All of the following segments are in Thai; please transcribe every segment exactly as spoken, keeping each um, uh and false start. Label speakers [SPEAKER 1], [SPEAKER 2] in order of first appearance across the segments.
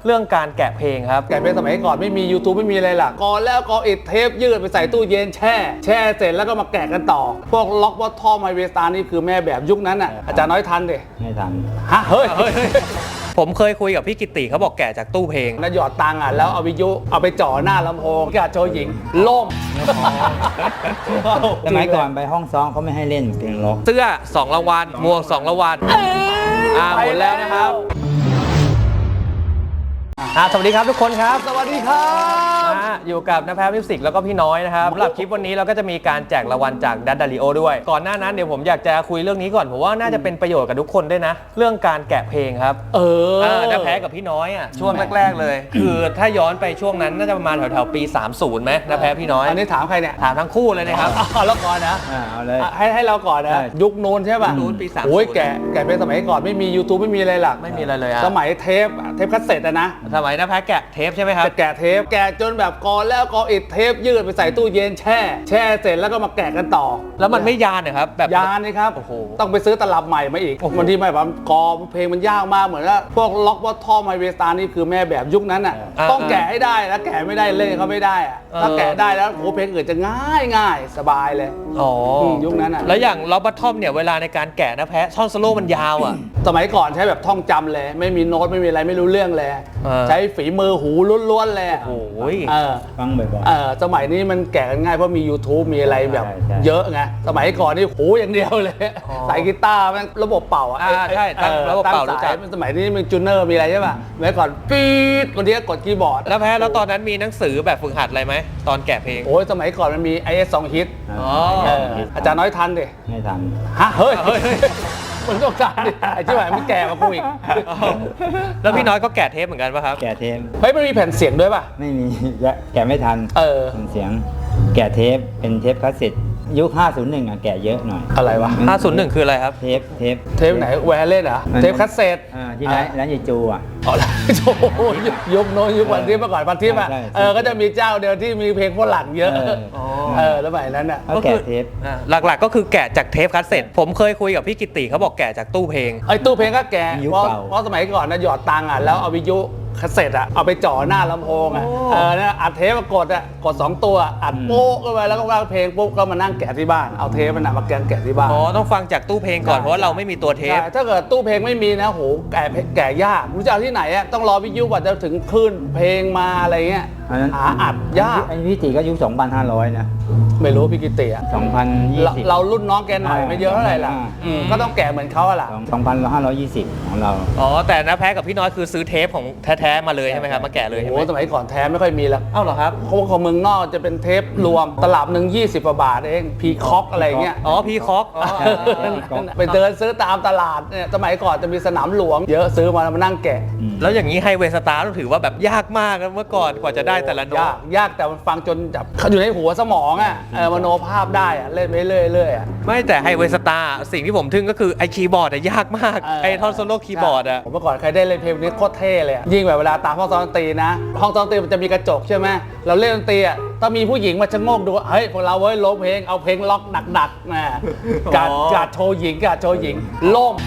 [SPEAKER 1] เรื่องการแกะเพลงครับแกะเพลงสมัยก่อนไม่มี YouTube ไม่มีอะไรล่ะก่อนแล้วก็อิดเทปยืดไปใส่ตู้เย็นแช่แช่เสร็จแล้วก็มาแกะกันต่อพวกล็อกวอททอมไฮเวสตาร์นี่คือแม่แบบยุคนั้นอ่ะอาจารย์น้อยทันดิ
[SPEAKER 2] ไม่ทัน
[SPEAKER 1] ฮะเฮ้ย
[SPEAKER 3] ผมเคยคุยกับพี่กิติเขาบอกแกะจากตู้เพลง
[SPEAKER 1] แล้วหยอดตังค์อ่ะแล้วเอาวิทยุเอาไปจ่อหน้าลำโพงกะโชว์หญิงล่ม
[SPEAKER 2] สมัยก่อนไปห้องซ้อมเขาไม่ให้เล่นเพลงล็อก
[SPEAKER 3] เสื้อสองรางวัลหมวกสองรางวัลอ่าหมดแล้วนะครับอ่าสวัสดีครับทุกคนครับ
[SPEAKER 1] สวัสดีครับ
[SPEAKER 3] อยู่กับน้าแพ้มิวสิกแล้วก็พี่น้อยนะครับสำหรับคลิปวันนี้เราก็จะมีการแจกรางวัลจากดัตดาริโอด้วยก่อนหน้านั้นเดี๋ยวผมอยากจะคุยเรื่องนี้ก่อนผมว่าน่าจะเป็นประโยชน์กับทุกคนด้วยนะเรื่องการแกะเพลงครับ
[SPEAKER 1] เออ
[SPEAKER 3] น้าแพ้กับพี่น้อยอ่ะช่วงแรกๆเลยคือถ้าย้อนไปช่วงนั้นน่าจะประมาณแถวๆปีสามสิบไหมน้าแพ้พี่น้อย
[SPEAKER 1] อันนี้ถามใครเนี่ย
[SPEAKER 3] ถามทั้งคู่เลยนะครับ
[SPEAKER 1] เอาแล้วก่อนนะ
[SPEAKER 2] เอาเลย
[SPEAKER 1] ให้ให้เราก่อนนะยุคนู้นใช่ป่ะ
[SPEAKER 3] นู้นปีสามสิบ
[SPEAKER 1] โอ้ยแกะแกะเพลงสมัยก่อนไม่มี YouTube ไม่มีอะไรหลัก
[SPEAKER 3] ไม่มีอะไรเลยอ่ะ
[SPEAKER 1] สมัยเทปเทปคัสเซ็ตอะนะ
[SPEAKER 3] สมัยน้าแพ้แกะเทปใช่ไหมครับ
[SPEAKER 1] แกะเทปแกะจนแบบก่อนแล้วก็อิดเทปยืดไปใส่ตู้เย็นแช่แช่เสร็จแล้วก็มาแกะกันต่อ
[SPEAKER 3] แล้วมันไม่ยานเหรอครับแบบ
[SPEAKER 1] ยานนี่ครับ
[SPEAKER 3] โอ้โห
[SPEAKER 1] ต้องไปซื้อตลับใหม่มาอีกบางทีไม่แบบกอเพลงมันยากมากเหมือนว่าพวกล็อกวอททอมไฮเวสตาร์นี่คือแม่แบบยุคนั้นอ่ะต้องแกะให้ได้แล้วแกะไม่ได้เล่นเขาไม่ได้อะถ้าแกะได้แล้วโหเพลงอื่นจะง่ายง่ายสบายเลย
[SPEAKER 3] อ๋อ
[SPEAKER 1] ยุคนั้นอ่ะ
[SPEAKER 3] แล้วอย่างล็อกบอททอมเนี่ยเวลาในการแกะนะแพ้ท่อนโซโล่มันยาวอ่ะ
[SPEAKER 1] สมัยก่อนใช้แบบท่องจำเลยไม่มีโน้ตไม่มีอะไรไม่รู้เรื่องเลยใช้ฝีมือหูล้วนๆเลย
[SPEAKER 3] โอ้ย
[SPEAKER 2] ฟังบ่อย
[SPEAKER 1] ๆเออสมัยนี้มันแกะกันง่ายเพราะมี YouTube มีอะไรแบบเยอะไงสมัยก่อนนี่หูอย่างเดียวเลยใส่กีตาร์มันระบบเป่าอ่ะ
[SPEAKER 3] ใช่ตั้งระบบเป่ารู้จัก
[SPEAKER 1] สมัยนี้มันจูเนอร์มีอะไรใช่ป่ะสมัยก่อนปี๊ดคนนี้กดคีย์บอร์ด
[SPEAKER 3] แล้วแพ้แล้วตอนนั้นมีหนังสือแบบฝึกหัดอะไรไหมตอนแกะเพลง
[SPEAKER 1] โอ้ยสมัยก่อนมันมี ไอ เอส สอง ฮิตอาจารย์น้อยทันดิ
[SPEAKER 2] ไม่ทัน
[SPEAKER 1] ฮะเฮ้ยมันต้องการดิไอ้ที่ไหนมันแก่มากูอีก
[SPEAKER 3] แล้วพี่น้อยก็แกะเทปเหมือนกันป่ะครับ
[SPEAKER 2] แกะเทป
[SPEAKER 1] เฮ้ยมันมีแผ่นเสียงด้วยป่ะ
[SPEAKER 2] ไม่มีแกะไม่ทัน
[SPEAKER 1] เออ
[SPEAKER 2] แผ่นเสียงแกะเทปเป็นเทปคาสเซ็ตยุคห้าศูนย์หนึ่งอ่ะแกะเยอะหน่อย
[SPEAKER 1] อะไรวะ
[SPEAKER 3] ห้าศูนย์หนึ่งคืออะไรครับ
[SPEAKER 2] เทปเทป
[SPEAKER 1] เทปไหนแวร์เล่นเหรอเทปคัสเซ็ต
[SPEAKER 2] อ่าที่ร้านร้านยายจูอ่ะ
[SPEAKER 1] อ๋อโอ้โหยุคโน้นยุควันทิพย์เมื่อก่อนวันทิพย์อ่ะเออก็จะมีเจ้าเดียวที่มีเพลงฝรั่งเยอะเออแล้วสมัยนั้นอ่ะ
[SPEAKER 2] ก็แกะเทป
[SPEAKER 3] หลักๆก็คือแกะจากเทปคัสเซ็ตผมเคยคุยกับพี่กิติเขาบอกแกะจากตู้เพลง
[SPEAKER 1] ไอ้ตู้เพลงก็แกะเพราะเพราะสมัยก่อนนะหยอดตังค์อ่ะแล้วเอาวิทยุคัสเซ็ตอะเอาไปจ่อหน้าลำโพงอะเออเนี่ยอัดเทปมากดอะกดสองตัวอัดโป๊กเข้าไปแล้วก็วางเพลงปุ๊บก็มานั่งแกะที่บ้านเอาเทปมันมาแกะแกะที่บ้าน
[SPEAKER 3] อ๋อต้องฟังจากตู้เพลงก่อนเพราะว่าเราไม่มีตัวเทป
[SPEAKER 1] ถ้าเกิดตู้เพลงไม่มีนะโหแกะแกะยากรู้จักที่ไหนอะต้องรอวิทยุกว่าจะถึงคลื่นเพลงมาอะไรเงี้ยหาอัดยาก
[SPEAKER 2] ไอ้พี่ติก็ยุคสองพันห้าร้อยนะ
[SPEAKER 1] ไม่รู้พี่กิติอะ
[SPEAKER 2] สองพันยี่สิบ
[SPEAKER 1] เรารุ่นน้องแกหน่อยไม่เยอะเท่าไหร่ล่ะก็ต้องแกะเหมือนเขาอะล่ะ
[SPEAKER 2] สองพันห้าร้อยยี่สิบของเรา
[SPEAKER 3] อ๋อแต่นะแพ้กับพี่น้อยคือซื้อเทปของแท้ๆมาเลยใช่ไหมครับมาแกะเลยใช่ไหม
[SPEAKER 1] โอ้สมัยก่อนแท้ไม่ค่อยมีแล้ว
[SPEAKER 3] เอ้าเหรอครับ
[SPEAKER 1] เขาของเมืองนอกจะเป็นเทปรวมตลับหนึ่งยี่สิบกว่าบาทเองพีคอกอะไรเงี้ย
[SPEAKER 3] อ๋อพีคอก
[SPEAKER 1] ไปเดินซื้อตามตลาดเนี่ยสมัยก่อนจะมีสนามหลวงเยอะซื้อมาแล้วมานั่งแกะ
[SPEAKER 3] แล้วอย่างนี้ไฮเวย์สตาร์ต้องถือว่าแบบยากมากเมื่อก่อนกว่าจะได้แต่ละโน้ต
[SPEAKER 1] ยากยากแต่มันฟังจนแบบอยู่ในหัวสมองอ่ะเออมโนภาพได้อ่ะเล่นไปเรื่อยๆอ่ะ
[SPEAKER 3] ไม่แต่ไฮเวย์สตาร์สิ่งที่ผมทึ่งก็คือไอคีย์บอร์ดอะยากมากไอท่อนโซโล่คีย์บอร์ดอะ
[SPEAKER 1] ผมเมื่อก่อนใครได้เล่นเพลงนี้โคตรเท่เลยยิ่งแบบเวลาตามห้องซ้อมดนตรีนะห้องซ้อมดนตรีมันจะมีกระจกใช่ไหมเราเล่นดนตรีอ่ะถ้ามีผู้หญิงมาชะโงกดูเฮ้ยพวกเราเว้ยร้องเพลงเอาเพลงล็อกหนักๆนะการการโชว์หญิงการโชว์หญิงล่ม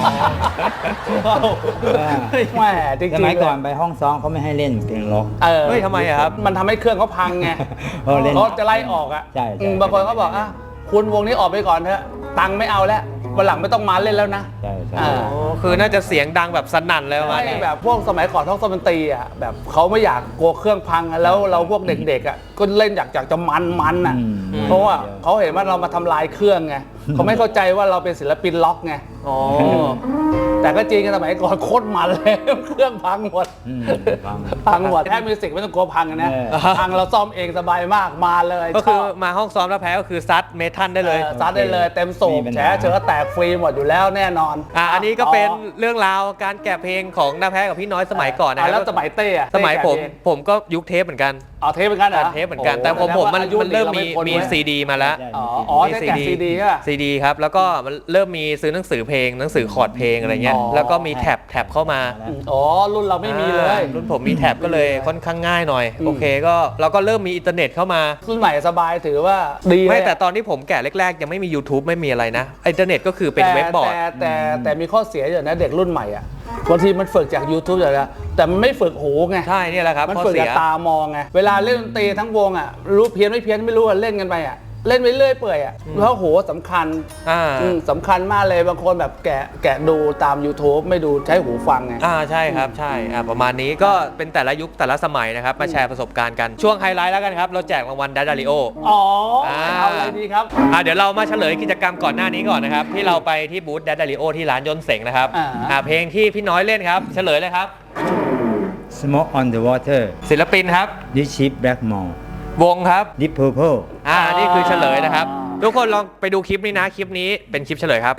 [SPEAKER 1] แหมจริงๆ
[SPEAKER 2] สมัยก่อนไปห้องซ้อมเขาไม่ให้เล่นเพลงล็อก
[SPEAKER 1] เออ
[SPEAKER 3] เฮ้ยทำไมอะครับ
[SPEAKER 1] มันทำให้เครื่องเขาพังไงเขาจะไล่ออกอ่ะบางคนเขาบอกอ่ะคุณวงนี้ออกไปก่อนเถอะตังค์ไม่เอาแล้ววันหลังไม่ต้องมาเล่นแล้วนะ
[SPEAKER 2] ใช่ใช่
[SPEAKER 3] คือน่าจะเสียงดังแบบสนั่นเลยว่า
[SPEAKER 1] แบบพวกสมัยก่อนท้องดนตรีอ่ะแบบเขาไม่อยากกลัวเครื่องพังแล้วเราพวกเด็กๆอ่ะก็เล่นอยากอยากจะมันมันอ่ะเพราะว่าเขาเห็นว่าเรามาทำลายเครื่องไงเขาไม่เข้าใจว่าเราเป็นศิลปินล็อกไงแต่ก็จริงสมัยก่อนโคตรมันเลยเครื่องพังหมดพังหมดแค่มิวสิกไม่ต้องกลัวพังนะพังเราซ่อมเองสบายมากมาเลย
[SPEAKER 3] ก็คือมาห้องซ้อมแล้วแพ้ก็คือซัดเมทัลได้เลย
[SPEAKER 1] ซัดได้เลยเต็มสูบแฉเชื้อแตกฟรีหมดอยู่แล้วแน่นอน
[SPEAKER 3] อ่ะอันนี้ก็เป็นเรื่องราวการแกะเพลงของน้าแพ้กับพี่น้อยสมัยก่อนนะ
[SPEAKER 1] แล้วสมัยเต้
[SPEAKER 3] สมัยผมผมก็ยุคเทปเหมือนกัน
[SPEAKER 1] อ๋อเทปเหมือนกันเหรอ
[SPEAKER 3] เทปเหมือนกันแต่ผมผมมันเริ่มมีมีซีดีมาแล้ว
[SPEAKER 1] อ๋อได้แกะซีดีใช่ป่ะ
[SPEAKER 3] ซีดีครับแล้วก็มันเริ่มมีซื้อหนังสือเพลงหนังสือคอร์ดเพลงอะไรเงี้ยแล้วก็มีแท็บแท็บเข้ามา
[SPEAKER 1] อ๋อรุ่นเราไม่มีเลย
[SPEAKER 3] รุ่นผมมีแท็บก็เลยค่อนข้างง่ายหน่อยโอเคก็เราก็เริ่มมีอินเทอร์เน็ตเข้ามา
[SPEAKER 1] รุ่นใหม่สบายถือว่าดี
[SPEAKER 3] ไม่แต่ตอนที่ผมแกะแรกๆยังไม่มี YouTube ไม่มีอะไรนะอินเทอร์เน็ตก็คือเป็นเว็บบอร์ด
[SPEAKER 1] แต่แต่แต่มีข้อเสียอยู่นะเด็กรุ่นใหม่อ่ะบางทีมันฝึกจาก YouTube อย่างเดียวแต่มันไม่ฝึกหูไง
[SPEAKER 3] ใช่เนี่ยแหละครับ
[SPEAKER 1] มัน
[SPEAKER 3] ข้อ
[SPEAKER 1] ฝึก
[SPEAKER 3] เสี
[SPEAKER 1] กับ
[SPEAKER 3] ย
[SPEAKER 1] ตามองไงเวลาเล่นดนตรีทั้งวงอ่ะรู้เพี้ยนไม่เพี้ยนไม่รู้อ่ะเล่นกันไปอ่ะเล่นไปเรื่อยเปื่อยอ่ะแล้วโหสำคัญ
[SPEAKER 3] อ่า
[SPEAKER 1] อืมสำคัญมากเลยบางคนแบบแกะแกะดูตาม YouTube ไม่ดูใช้หูฟังไง
[SPEAKER 3] อ่าใช่ครับใช่อ่าประมาณนี้ก็เป็นแต่ละยุคแต่ละสมัยนะครับมาแชร์ประสบการณ์กันช่วงไฮไลท์แล้วกันครับเราแจกรางวัลดัดดาริโอ
[SPEAKER 1] อ๋อ
[SPEAKER 3] อ่า
[SPEAKER 1] เอาอะไรดีครับ
[SPEAKER 3] อ่าเดี๋ยวเรามาเฉลยกิจกรรมก่อนหน้านี้ก่อนนะครับที่เราไปที่บูธดัดดาริโอที่ร้านยนต์เสงนะครับ
[SPEAKER 1] อ่า
[SPEAKER 3] อ่าเพลงที่พี่น้อยเล่นครับเฉลยเลยครับ
[SPEAKER 2] Smoke on the Water
[SPEAKER 3] ศิลปินครับ
[SPEAKER 2] This Ship Blackmore
[SPEAKER 3] วงครับ
[SPEAKER 2] Deep Purple
[SPEAKER 3] อ่านี่คือเฉลยนะครับ ทุกคนลองไปดูคลิปนี้นะคลิปนี้เป็นคลิปเฉลยครับ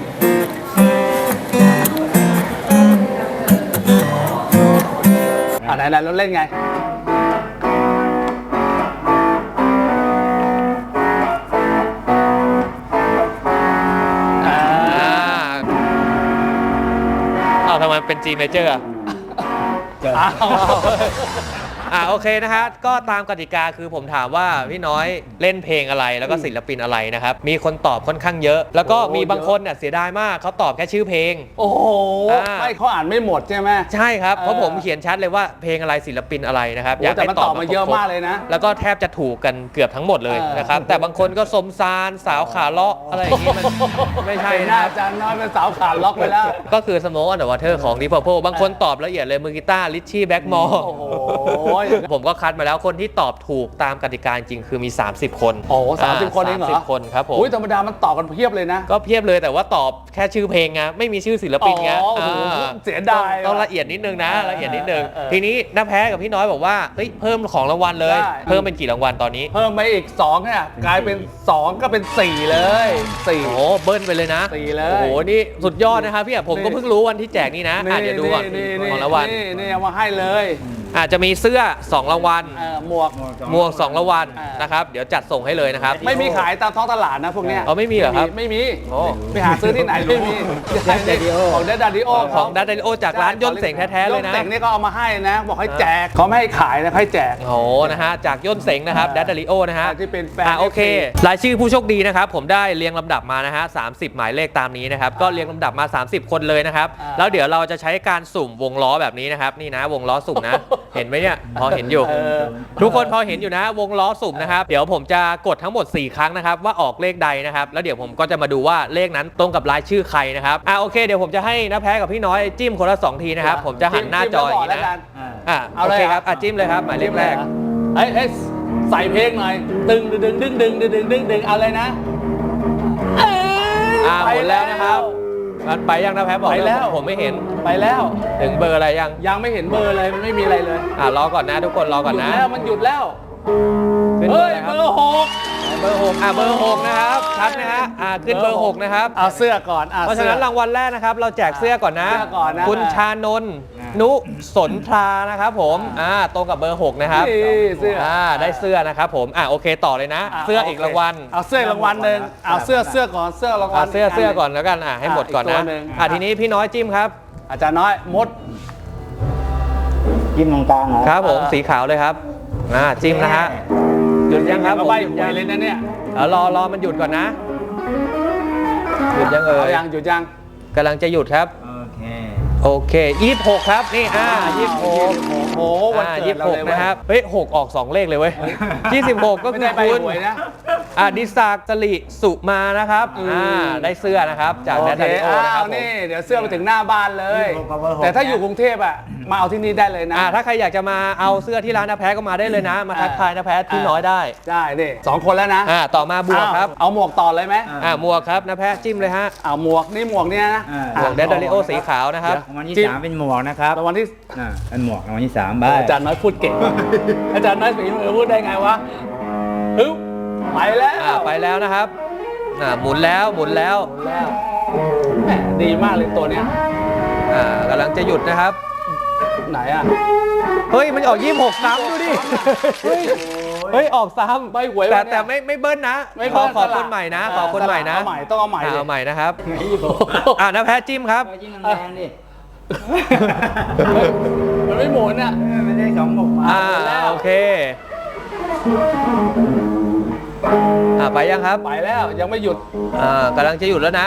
[SPEAKER 1] อ่าไหนๆเราเล่นไง อ่า
[SPEAKER 3] อ่าอ้าวทำไมเป็น G major อ่ะ
[SPEAKER 1] อ้าว
[SPEAKER 3] อ่าโอเคนะฮะก็ตามกติกาคือผมถามว่าพี่น้อยเล่นเพลงอะไรแล้วก็ศิลปินอะไรนะครับมีคนตอบค่อนข้างเยอะ แล้วก็มีบางคนเนี่ยเสียดายมากเขาตอบแค่ชื่อเพลง
[SPEAKER 1] โอ้โห
[SPEAKER 3] อ่า
[SPEAKER 1] ไม่เขาอ่านไม่หมดใช่ไหม
[SPEAKER 3] ใช่ครับเพราะ
[SPEAKER 1] เออ
[SPEAKER 3] ผมเขียนชัดเลยว่าเพลงอะไรศิลปินอะไรนะครับ
[SPEAKER 1] โอ้แต่มันตอบมาเยอะมากเลยนะ
[SPEAKER 3] แล้วก็แทบจะถูกกันเกือบทั้งหมดเลย
[SPEAKER 1] เออ
[SPEAKER 3] นะครับแต่บางคนก็สมซานสาวขาเลาะอะไรอย่างงี้มันไม่ใช่
[SPEAKER 1] เป็นห
[SPEAKER 3] นะ
[SPEAKER 1] น้า
[SPEAKER 3] ครับ
[SPEAKER 1] อาจารย์น้อยเป็นสาวขาดล็อกไปแล้ว
[SPEAKER 3] ก็คือ Smoke on the Water ของ Deep Purple บางคนตอบละเอียดเลยมือกีตาร์ลิชชี่แบ็กมอร์
[SPEAKER 1] โอ้โห
[SPEAKER 3] ผมก็คัดมาแล้วคนที่ตอบถูกตามกติกาจริงคือมี สามสิบ คน
[SPEAKER 1] โอ้สามสิบคนเองเหรอ
[SPEAKER 3] สามสิบคนครับผม
[SPEAKER 1] อุ้ยธรรมดามันตอบกันเพียบเลยนะ
[SPEAKER 3] ก็เพียบเลยแต่ว่าตอบแค่ชื่อเพลงไงไม่มีชื่อศิลปินไง
[SPEAKER 1] อ๋อโอ้โห
[SPEAKER 3] อ่า
[SPEAKER 1] เสียดาย
[SPEAKER 3] ต้องต้อง
[SPEAKER 1] ว่ะ
[SPEAKER 3] ละเอียดนิดนึงนะ
[SPEAKER 1] เออ
[SPEAKER 3] ละเอียดนิดนึง
[SPEAKER 1] เออเออ
[SPEAKER 3] ทีนี้น้าแพ้กับพี่น้อยบอกว่าเฮ้ยเพิ่มของรางวัลเลย
[SPEAKER 1] ได้
[SPEAKER 3] เพิ่มเป็นกี่รางวัลตอนนี้
[SPEAKER 1] เพิ่มไปอีกสองเนี่ยกลายเป็นสองก็เป็นสี่เลยสี่
[SPEAKER 3] โอ้โหเบิ้ลไปเลยนะ
[SPEAKER 1] สี่เลย
[SPEAKER 3] โอ้โหนี่สุดยอดนะครับพี่อ่ะผมก็เพิ่งรู้วันที่แจกนี่นะอ่ะเดี๋ยวดูก่อน
[SPEAKER 1] นี่นี่
[SPEAKER 3] ของรางวัล
[SPEAKER 1] นี่นี่เอามาให้เลย
[SPEAKER 3] อาจจะมีเสื้อสองรางวัล
[SPEAKER 1] เออหมวก
[SPEAKER 3] หมวกสองรางวัล
[SPEAKER 1] อ่าน
[SPEAKER 3] นะครับเดี๋ยวจัดส่งให้เลยนะครับ
[SPEAKER 1] ไม่มีขายตามท้องตลาดนะพวกเนี้ย
[SPEAKER 3] อ๋อไม่มีเหรอครับ
[SPEAKER 1] ไม่มี
[SPEAKER 3] โอ้
[SPEAKER 1] ไปหาซื้อที่ไหนไม่มี
[SPEAKER 2] Daddio
[SPEAKER 1] ของเดดดาดิโอ
[SPEAKER 3] ของดัดเดลิโอจากร้านย่นเสงแท้ๆเลยนะ
[SPEAKER 1] ย่นเสงนี่ก็เอามาให้นะ บอกให้แจกเขาไม่ให้ขายนะให้แจก
[SPEAKER 3] โอ้โหนะฮะจากย่นเสงนะครับดัดเดลิโอนะฮะ
[SPEAKER 1] ที่เป็นแฟน
[SPEAKER 3] อ่ะโอเค
[SPEAKER 1] เอฟซี
[SPEAKER 3] รายชื่อผู้โชคดีนะครับ ผมได้เรียงลำดับมานะฮะสามสิบหมายเลขตามนี้นะครับ ก็เรียงลำดับมา สามสิบ คนเลยนะครับ
[SPEAKER 1] อ่า
[SPEAKER 3] แล้วเดี๋ยวเราจะใช้การสุ่มวงล้อแบบนี้นะครับ นี่นะวงล้อสุ่มนะ เห็นไหมเนี่ย พอเห็นอยู่
[SPEAKER 1] เออ
[SPEAKER 3] ทุกคนพอเห็นอยู่นะ วงล้อสุ่มนะครับ เดี๋ยวผมจะกดทั้งหมด สี่ ครั้งนะครับ ว่าออกเลขใดนะครับ แล้วเดี๋ยวผมก็จะมาดูว่าเลขนั้นตรงกับรายชื่อใครนะครับ อ่ะโอเค เดี๋ยวผมจะให้น้าแพ้กับพี่น้อยจิ้มคนละสองทีนะครับ ผมจะหันหน้าจออย่างนี้
[SPEAKER 1] จิ้มแล้วบกแล้วกั
[SPEAKER 3] นะ
[SPEAKER 1] น
[SPEAKER 3] อ่ะ
[SPEAKER 1] เอา
[SPEAKER 3] โอ
[SPEAKER 1] เลย
[SPEAKER 3] เค
[SPEAKER 1] เหรอ
[SPEAKER 3] ครับอ่ะจิ้มเลยครับหมายเลขแรก
[SPEAKER 1] เฮ้ยเฮ้ยใส่เพลงหน่อย ตึงดึงดึงดึงดึงดึงดึงดึงดึงเอาเลยนะเอ้ย
[SPEAKER 3] อ่าหมดแล้วนะครับมันไปยังนะแพ้บอก
[SPEAKER 1] ไปแล้ว
[SPEAKER 3] ผมไม่เห็น
[SPEAKER 1] ไปแล้ว
[SPEAKER 3] ถึงเบอร์อะไรยัง
[SPEAKER 1] ยังไม่เห็นเบอร์เลยมันไม่มีอะไรเลย
[SPEAKER 3] อ่ารอก่อนนะทุกคนรอก่อน
[SPEAKER 1] หยุด
[SPEAKER 3] นะ
[SPEAKER 1] แล้วมันหยุดแล้ว
[SPEAKER 3] ขึ้นเบอ
[SPEAKER 1] เฮ้
[SPEAKER 3] ร์
[SPEAKER 1] ย
[SPEAKER 3] อะไรค
[SPEAKER 1] เบ
[SPEAKER 3] รับ
[SPEAKER 1] อร์หก
[SPEAKER 3] เบอร์หกอ่าเบอร์หกนะครับชัดนะฮะอ่าขึ้นเบอร์หกนะครับ
[SPEAKER 1] เอาเสื้อก่อนอ่
[SPEAKER 3] เพราะฉะนั้นรางวัลแรกนะครับเราแจกเสื้อก่อนนะ
[SPEAKER 1] เสื้อก่อนนะ
[SPEAKER 3] คุณชานนท์นุสนทรานะครับผมอ่าตรงกับเบอร์หกนะครับ
[SPEAKER 1] นี่เสื้ออ่
[SPEAKER 3] อ่าได้เสื้อนะครับผมอ่าโอเคต่อเลยนะ
[SPEAKER 1] ะ
[SPEAKER 3] เสื้ออีกรางวัล
[SPEAKER 1] เอาเสื้อรางวัลหนึ่งเอาเสื้อเสื้อก่อนเสื้อรางวั
[SPEAKER 3] อ่า
[SPEAKER 1] ล
[SPEAKER 3] เสื้อเสื้อก่อนแล้วกันอ่าให้หมดก่อน
[SPEAKER 1] อีกตั
[SPEAKER 3] นะ
[SPEAKER 1] วหนึ่ง
[SPEAKER 3] อ่าทีนี้พี่น้อยจิ้มครับ
[SPEAKER 1] อาจารย์น้อยมด
[SPEAKER 2] จิ้มตรงกลางเหรอ
[SPEAKER 3] ครับผม
[SPEAKER 1] เออ
[SPEAKER 3] สีขาวเลยครับอ่าจิ้มนะฮะหยุดยังครับ
[SPEAKER 1] ก็
[SPEAKER 3] ผม
[SPEAKER 1] ใบ
[SPEAKER 3] หยุด
[SPEAKER 1] หว
[SPEAKER 3] ยั
[SPEAKER 1] ย
[SPEAKER 3] ง
[SPEAKER 1] เลยนะเนี่ย
[SPEAKER 3] เอารอรอมันหยุดก่อนนะ หยุดยังเอ่
[SPEAKER 1] เอา
[SPEAKER 3] ย
[SPEAKER 1] ยังหยุดยัง
[SPEAKER 3] กำลังจะหยุดครับ
[SPEAKER 2] โอเค
[SPEAKER 3] โอเคยี่สิบหกครับนี่อ่ายี่สิบหก
[SPEAKER 1] โอ้โหวัน
[SPEAKER 3] อ่า
[SPEAKER 1] เกิ
[SPEAKER 3] ยี่
[SPEAKER 1] ด
[SPEAKER 3] สิบ
[SPEAKER 1] เรา
[SPEAKER 3] หก
[SPEAKER 1] เลยเว้ย
[SPEAKER 3] นะครับเฮ้ยหกออกสองเลขเลยเว้ยยี่สิบหกก็
[SPEAKER 1] ไม่
[SPEAKER 3] คือ
[SPEAKER 1] ได้ใบ
[SPEAKER 3] คุณ
[SPEAKER 1] หวยนะ
[SPEAKER 3] อ่าดิศักดิ์จริสุมานะครับอ่าได้เสื้อนะครับจาก
[SPEAKER 1] โอ
[SPEAKER 3] แดน
[SPEAKER 1] เค
[SPEAKER 3] ดาริโอนะค
[SPEAKER 1] อ้า
[SPEAKER 3] รั
[SPEAKER 1] ว
[SPEAKER 3] บผม
[SPEAKER 1] นี่เดี๋ยวเสื้อไปถึงหน้าบ้านเลย
[SPEAKER 2] ยี่สิบหกกับเบอร์หก
[SPEAKER 1] แต่ถ้าอยู่กรุงเทพอ่ะมาเอาที่นี่ได้เลยนะ
[SPEAKER 3] อ่าถ้าใครอยากจะมาเอาเสื้อที่ร้านนาแพ้ก็มาได้เลยนะ มาทักทายนาแพ้ที่น้อยได้
[SPEAKER 1] ได้ดิสองคนแล้วนะ
[SPEAKER 3] อ่าต่อมาบวกครับ
[SPEAKER 1] เอาหมวกต่อเลยไหม
[SPEAKER 3] อ่าหมวกครับนาแพ้จิ้มเลยฮะ
[SPEAKER 1] เอาหมวกนี่หมวกเนี่ยนะ
[SPEAKER 2] อ่า
[SPEAKER 3] หมวกแดนดาริโอสีขาวนะครับ
[SPEAKER 2] รางวัลที่
[SPEAKER 1] จิ้ม
[SPEAKER 2] สามเป็นหมวกนะครับ
[SPEAKER 1] รางวัลที่
[SPEAKER 2] อ่าเป็นหมวกรางวัลที่สามใบ
[SPEAKER 1] อาจารย์น้อยพูดเก่ง อาจารย์น้อยฝีมือพูดได้ไงวะฮึบไปแล้ว
[SPEAKER 3] อ่าไปแล้วนะครับอ่าหมุนแล้วหมุนแล้ว
[SPEAKER 1] หมดแล้วแหมดีมากเลยตัวเนี้ย
[SPEAKER 3] อ่ากำลังจะหยุดนะครับ
[SPEAKER 1] ไหนอ่ะ
[SPEAKER 3] เฮ้ย มันออกยี่สิบหกซ้ำดูดิ เฮ้ย เฮ้ย ออกซ้ำ
[SPEAKER 1] ใบหวย
[SPEAKER 3] แต่
[SPEAKER 1] วะเนี่ย
[SPEAKER 3] แต่ไม่ไม่เบิ้ลนะ
[SPEAKER 1] ไม่
[SPEAKER 3] ขอ
[SPEAKER 1] เบิ้ล
[SPEAKER 3] ขอ
[SPEAKER 1] สลับ
[SPEAKER 3] คนใหม่นะ
[SPEAKER 1] เออ
[SPEAKER 3] ขอคนใหม่นะ
[SPEAKER 1] เอาใหม่ต้องเอาใหม่
[SPEAKER 3] อ่า
[SPEAKER 1] ดิ
[SPEAKER 3] เอาใหม่นะครับ อ่านะแพ้จิ้มครับ
[SPEAKER 2] จิ้มแรงๆดิ
[SPEAKER 1] มันไม่หมุนอ่ะ
[SPEAKER 2] ไม่ได้สองหมวกมา
[SPEAKER 3] อ่า
[SPEAKER 1] หมดแล้ว
[SPEAKER 3] โอเค อ่าไปยังครับ
[SPEAKER 1] ไปแล้วยังไม่หยุด
[SPEAKER 3] อ่ากำลังจะหยุดแล้วนะ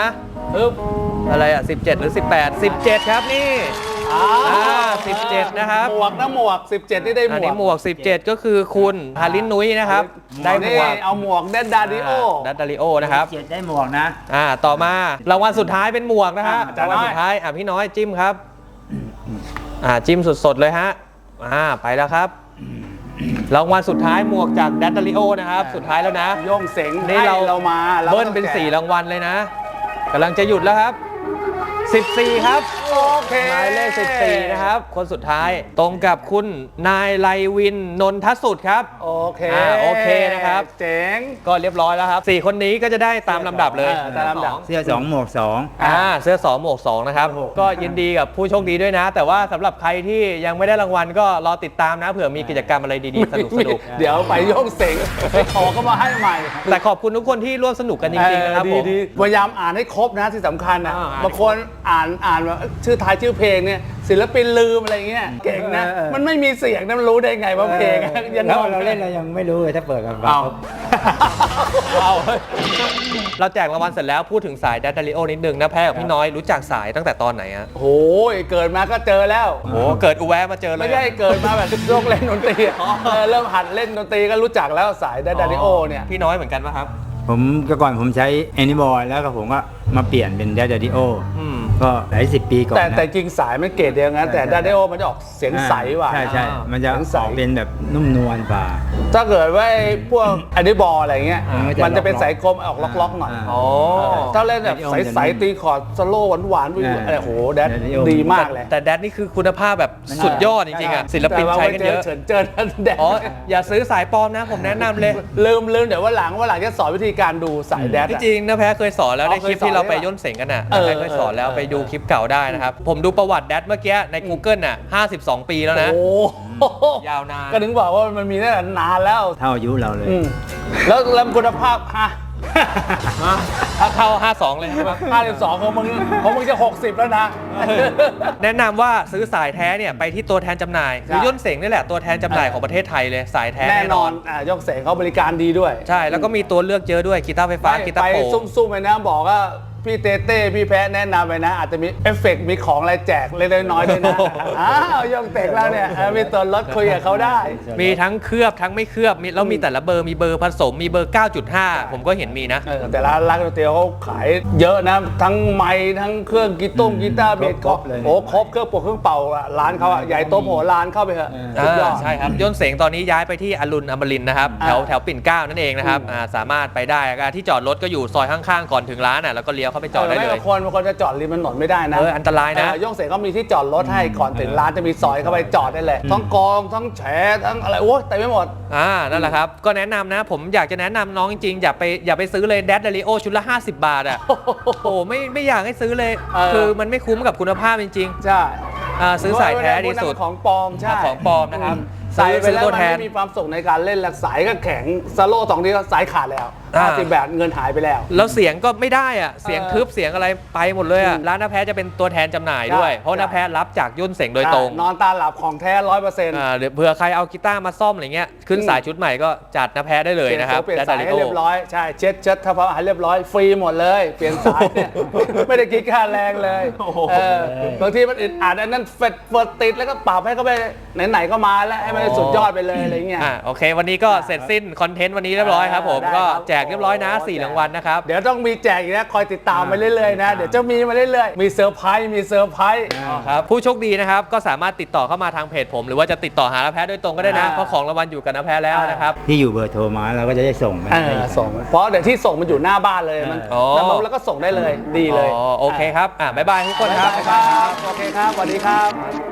[SPEAKER 1] ฮึบ
[SPEAKER 3] อะไรอ่ะสิบเจ็ดหรือสิบแปด สิบเจ็ดครับนี่
[SPEAKER 1] อ่า
[SPEAKER 3] อ่าสิบเจ็ดนะครับ
[SPEAKER 1] หมวกนะหมวกสิบเจ็ดนี่ได้หม
[SPEAKER 3] อัน
[SPEAKER 1] ว
[SPEAKER 3] นี้
[SPEAKER 1] ก
[SPEAKER 3] หมวกสิบเจ็ดก็คือคุณฮารินนุ้ยนะครับได้หม
[SPEAKER 1] นี่
[SPEAKER 3] วก
[SPEAKER 1] เอาหมวกเดนดาดิโอ
[SPEAKER 3] ดัตดาริโอนะครับ
[SPEAKER 2] เจ็ดได้หมวกนะ
[SPEAKER 3] อ่าต่อมารางวัลสุดท้ายเป็นหมวกนะฮะ
[SPEAKER 1] อ่าร
[SPEAKER 3] างวัลสุดท้ายอ่ะพี่น้อยจิ้มครับอ่าจิ้มสดๆเลยฮะอ่าไปแล้วครับรางวัลสุดท้ายหมวกจากดัตดาริโอนะครับสุดท้ายแล้วนะ
[SPEAKER 1] โย่งเสง
[SPEAKER 3] นี่
[SPEAKER 1] ให้
[SPEAKER 3] เรา
[SPEAKER 1] เรามารา
[SPEAKER 3] เบิ้ลเป็น
[SPEAKER 1] ต้องแจก
[SPEAKER 3] สี่รางวัลเลยนะกำลังจะหยุดแล้วครับสิบสี่ครับ
[SPEAKER 1] โอเค
[SPEAKER 3] หมายเลขสิบสี่นะครับ คนสุดท้ายตรงกับคุณนายไลวินนนทสุดครับ
[SPEAKER 1] โอเค
[SPEAKER 3] อ่าโอเคนะครับ
[SPEAKER 1] เจ๋ง
[SPEAKER 3] ก็เรียบร้อยแล้วครับสี่คนนี้ก็จะได้ตามลำดับเลย
[SPEAKER 1] เออตามลำดับ
[SPEAKER 2] เสื้อสองหมวกสอง
[SPEAKER 3] อ่าเสื้อสองหมวกสองนะครับก็ยินดีกับผู้โชคดีด้วยนะ แต่ว่าสำหรับใครที่ยังไม่ได้รางวัลก็รอติดตามนะเผื่อมีกิจกรรมอะไรดีๆสนุกสนุก
[SPEAKER 1] เดี๋ยวไปโย่งเสงไปขอก็มาให้ใหม่
[SPEAKER 3] แต่ขอบคุณทุกคนที่ร่วมสนุกกันจริงๆนะครับ
[SPEAKER 1] เอ
[SPEAKER 3] ผ
[SPEAKER 1] อ
[SPEAKER 3] ม
[SPEAKER 1] ดีๆพยายามอ่านให้ครบนะที่สำคัญนะ
[SPEAKER 3] อ่าอ่าน
[SPEAKER 1] บางคนอ่านอ่านว่าชื่อท้ายชื่อเพลงเนี่ยศิลปินลืมอะไรเงี้ยเก่งนะ
[SPEAKER 2] เออเออ
[SPEAKER 1] มันไม่มีเสียงนะมันรู้ได้ไงว่าเพลงอะยัง
[SPEAKER 2] แล้ว
[SPEAKER 1] งง
[SPEAKER 2] เราเล่นเรายังไม่รู้เลยถ้าเปิดกัน
[SPEAKER 1] เอา เอา
[SPEAKER 3] เราแจกรางวัลเสร็จแล้วพูดถึงสายดัตดาริโอนิดนึงนะแพ้กับพี่น้อยรู้จักสายตั้งแต่ตอนไหนอะ
[SPEAKER 1] โหยเกิดมาก็เจอแล้ว
[SPEAKER 3] โอ้เกิดอุแวะมาเจอเลย
[SPEAKER 1] ไม่ใช่เกิดมาแบบโลกเล่นดนตรีอะเออเริ่มหัดเล่นดนตรีก็รู้จักแล้วสายดาริโอเนี่ย
[SPEAKER 3] พี่น้อยเหมือนกันป่ะครับ
[SPEAKER 2] ผมก็ก่อนผมใช้แอนิบอยแล้วก็ผมก็มาเปลี่ยนเป็นแดดดิโอ
[SPEAKER 3] อืม
[SPEAKER 2] ก็หลายสิบปีก่อน
[SPEAKER 1] แต่
[SPEAKER 2] นะ
[SPEAKER 1] แต่จริงสายมันเกรดเดียวกันแต่
[SPEAKER 2] ใช่
[SPEAKER 1] ดาริโอมันจะออกเสียงใสว่ะ
[SPEAKER 2] ใช่ใช่
[SPEAKER 3] อ่ามั
[SPEAKER 2] มันจะ
[SPEAKER 1] เสียงใส
[SPEAKER 2] ออกเป็นแบบนุ่มนวลกว่า
[SPEAKER 1] ถ้าเกิดว่าไอ้พวกอันนี้บอลอะไรเงี้ย
[SPEAKER 2] อ่ามันจะ
[SPEAKER 1] มันจะเป็น
[SPEAKER 2] ล็อกๆ
[SPEAKER 1] สายกลมออกล็อกๆหน่อย
[SPEAKER 2] อ่า
[SPEAKER 3] อ๋อ
[SPEAKER 1] ถ้าเล่นแบบ
[SPEAKER 2] Daddy O
[SPEAKER 1] ใสๆตีคอร์ดสโลว์หวานๆ
[SPEAKER 2] อ่า
[SPEAKER 1] อะไรโหแดด
[SPEAKER 2] Daddy O
[SPEAKER 1] ดีมากเลย
[SPEAKER 3] แต่แดดนี่คือคุณภาพแบบสุดยอดจริงๆอ่ะศิลปินใช้กันเยอะ
[SPEAKER 1] เฉินเจินแดด
[SPEAKER 3] อ๋ออย่าซื้อสายปลอมนะผมแนะนำเลย
[SPEAKER 1] ลืมลืมเดี๋ยวว่าหลังว่าหลังจะสอนวิธีการดูสายแดด
[SPEAKER 3] ที่
[SPEAKER 1] อะ
[SPEAKER 3] จริงนะแพ้เคยสอนแล้ว
[SPEAKER 1] อ๋อ
[SPEAKER 3] ในคลิป
[SPEAKER 1] เคยสอน
[SPEAKER 3] ที่เราไป
[SPEAKER 1] ด้วยเหรอ
[SPEAKER 3] ย่นเสงกันอ่ะ
[SPEAKER 1] เออ
[SPEAKER 3] แพ้เคยสอนแล้ว
[SPEAKER 1] เออ
[SPEAKER 3] ไปดูคลิปเก่าได้นะครับ ผมดูประวัติแดดเมื่อกี้ใน Google น่ะห้าสิบสองปีแล้วนะ
[SPEAKER 1] โอ้โห
[SPEAKER 3] ยาวนาน
[SPEAKER 1] ก็ถึงบอกว่ามันมีตั้งแต่นานแล้ว
[SPEAKER 2] เท่าอายุเราเลย
[SPEAKER 1] อืมแล้วแล้วคุณภาพฮะ
[SPEAKER 3] ถ้าเข้าห้าสิบสองเลยใช่ไหม
[SPEAKER 1] ห้าสิบสองของมึงของมึงจะหกสิบแล้วนะ
[SPEAKER 3] แนะนำว่าซื้อสายแท้เนี่ยไปที่ตัวแทนจำหน่ายหรือย่นเสงนี่แหละตัวแทนจำหน่ายของประเทศไทยเลยสายแท้
[SPEAKER 1] แน่นอนอ่ายกเสงเขาบริการดีด้วย
[SPEAKER 3] ใช่แล้วก็มีตัวเลือกเยอะด้วยกีตาร์ไฟฟ้ากีตา
[SPEAKER 1] ไป
[SPEAKER 3] ร์โปร่ง
[SPEAKER 1] ซุ่มๆไปนะบอกว่าพี่เต้เต้พี่แพ้แนะนำไปนะ อาจจะมีเอฟเฟกต์มีของอะไรแจกเล็กๆน้อยๆด้วยนะอ้าวยกเตกแล้วเนี่ยเออมีตัวลดคุยกับเขาได้
[SPEAKER 3] มีทั้งเคลือบทั้งไม่เคลือบมีแล้วมีแต่ละเบอร์มีเบอร์ผสมมีเบอร์ เก้าจุดห้า ผมก็เห็นมีนะ
[SPEAKER 1] เออแต่ละร้านก๋วยเตี๋ยวเขาขายเยอะนะ ทั้งไม้ทั้งเครื่องกีต้งกีตาร์เบส
[SPEAKER 2] ครบเลย
[SPEAKER 1] โอ้ครบเครื่องปกเครื่องเป่าอะร้านเขาอะใหญ่โตมโหฬารเข้าไปเถอะ
[SPEAKER 2] เออ
[SPEAKER 1] สุดยอ
[SPEAKER 3] อ่า
[SPEAKER 1] ด
[SPEAKER 3] ใช่ครับย่นเสงตอนนี้ย้ายไปที่อรุณอมรินทร์นะครับ
[SPEAKER 1] อ่า
[SPEAKER 3] แถวแถวปิ่นเกล้านั่นเองนะครับ
[SPEAKER 1] อืม
[SPEAKER 3] อ่าสามารถไปได้อ่าที่จอดรถก็อยู่ซอยข้างๆ ก่อนถึงร้านอ่ะแล้วก็เลี้ยวเข้าไปจอดได้
[SPEAKER 1] ไม่
[SPEAKER 3] เล
[SPEAKER 1] บาย งคนบางคนจะจอดริมถนนไม่ได้นะ
[SPEAKER 3] เอออันตรายนะ
[SPEAKER 1] เออยกเสงเขามีที่จอดรถให้ก่อนถึงร้านจะมีซอยเข้าไปจอดได้เลยทั้งกองทั้งแฉทั้งอะไรโอ้เต็มไปหมด
[SPEAKER 3] อ่านั่นแหละครับก็แนะนำนะ ผมอยากจะแนะนำน้องจริงๆอย่าไปอย่าไปซื้อเลยแดดดาริโอชุดละห้าสิบบาทอ่ะ โอ้ไม่ไม่อยากให้ซื้อเลย
[SPEAKER 1] เออ
[SPEAKER 3] คือมันไม่คุ้มกับคุณภาพจริง
[SPEAKER 1] ใช่
[SPEAKER 3] ๆอ่าซื้อสายแท้ดีสุด
[SPEAKER 1] ของปลอมใช่
[SPEAKER 3] ของปลอมนะครับ
[SPEAKER 1] ใส่ไป
[SPEAKER 3] ซื้อ
[SPEAKER 1] แล้ว
[SPEAKER 3] ตัว
[SPEAKER 1] มัน
[SPEAKER 3] แทน
[SPEAKER 1] ไม่มีความสุขในการเล่นแล้วสายก็แข็งสโลว์สองทีก็สายขาดแล้ว
[SPEAKER 3] อ่า
[SPEAKER 1] ห้าสิบแบบเงินหายไปแล้ว
[SPEAKER 3] แล้วเสียงก็ไม่ได้อ่ะเสียง
[SPEAKER 1] เออ
[SPEAKER 3] ทึบเสียงอะไรไปหมดเลยอ่ะ
[SPEAKER 1] อืม
[SPEAKER 3] ร้านน้าแพ้จะเป็นตัวแทนจำหน่ายด้วย
[SPEAKER 1] ใช่
[SPEAKER 3] เพราะน้าแพ้รับจากย่นเสงโดยตรง
[SPEAKER 1] นอนตาหลับของแท้ร้อยเปอร์เซ็นต์
[SPEAKER 3] อ่าหรือเผื่อใครเอากีตาร์มาซ่อมอะไรเงี้ยขึ้น
[SPEAKER 1] อืม
[SPEAKER 3] สายชุดใหม่ก็จัดน้าแพ้ได้เลยนะครับ
[SPEAKER 1] เปลี่ยน
[SPEAKER 3] และ
[SPEAKER 1] สายให้เรียบร้อยใช่เช็ดเช็ดทำความสะอาดเรียบร้อยฟรีหมดเลย เปลี่ยนสายเนี่ย ไม่ได้คิดค่าแรงเลยเออบางทีมันอึดอัดอันนั้นเฟดเฟิร์ติดแล้วก็ปรับให้เขาไปไหนๆก็มาแล้วให้มันสุดยอดไปเลยอะไรเงี้ย
[SPEAKER 3] อ่าโอเค วันนี้ก็เสร็จสิ้นคอนเทนต์วันนี้เรียบร้อยครับผม
[SPEAKER 1] ได้
[SPEAKER 3] ก็
[SPEAKER 1] ครับ
[SPEAKER 3] แจกเรียบร้อยนะสี่รางวัลนะครับ
[SPEAKER 1] เดี๋ยวต้องมีแจกอีกนะคอยติดตามไปเรื่อยๆนะเดี๋ยวจะมีมาเรื่อยๆมีเซอร์ไพรส์มีเซอร์ไพรส์
[SPEAKER 3] ครับผู้โชคดีนะครับก็สามารถติดต่อเข้ามาทางเพจผม หรือว่าจะติดต่อหาน้าแพ้โดยตรงก็ได้นะ
[SPEAKER 1] อ่า
[SPEAKER 3] เพราะของรางวัลอยู่กับน้าแพ้แล้วนะครับ
[SPEAKER 2] ที่อยู่เบอร์โทรมาเราก็จะได้ส่งไป
[SPEAKER 1] เอ
[SPEAKER 2] ให้
[SPEAKER 1] อ
[SPEAKER 2] กัน
[SPEAKER 1] ส่งเพราะเดี๋ยวที่ส่งมันอยู่หน้าบ้านเลยมัน
[SPEAKER 3] อ๋อ
[SPEAKER 1] แล้วก็ส่งได้เลยดีเลย
[SPEAKER 3] อ๋อโอเคครับอ่าบ๊ายบายทุกคนครับ
[SPEAKER 1] ครับโอเคครับสวัสดีครับ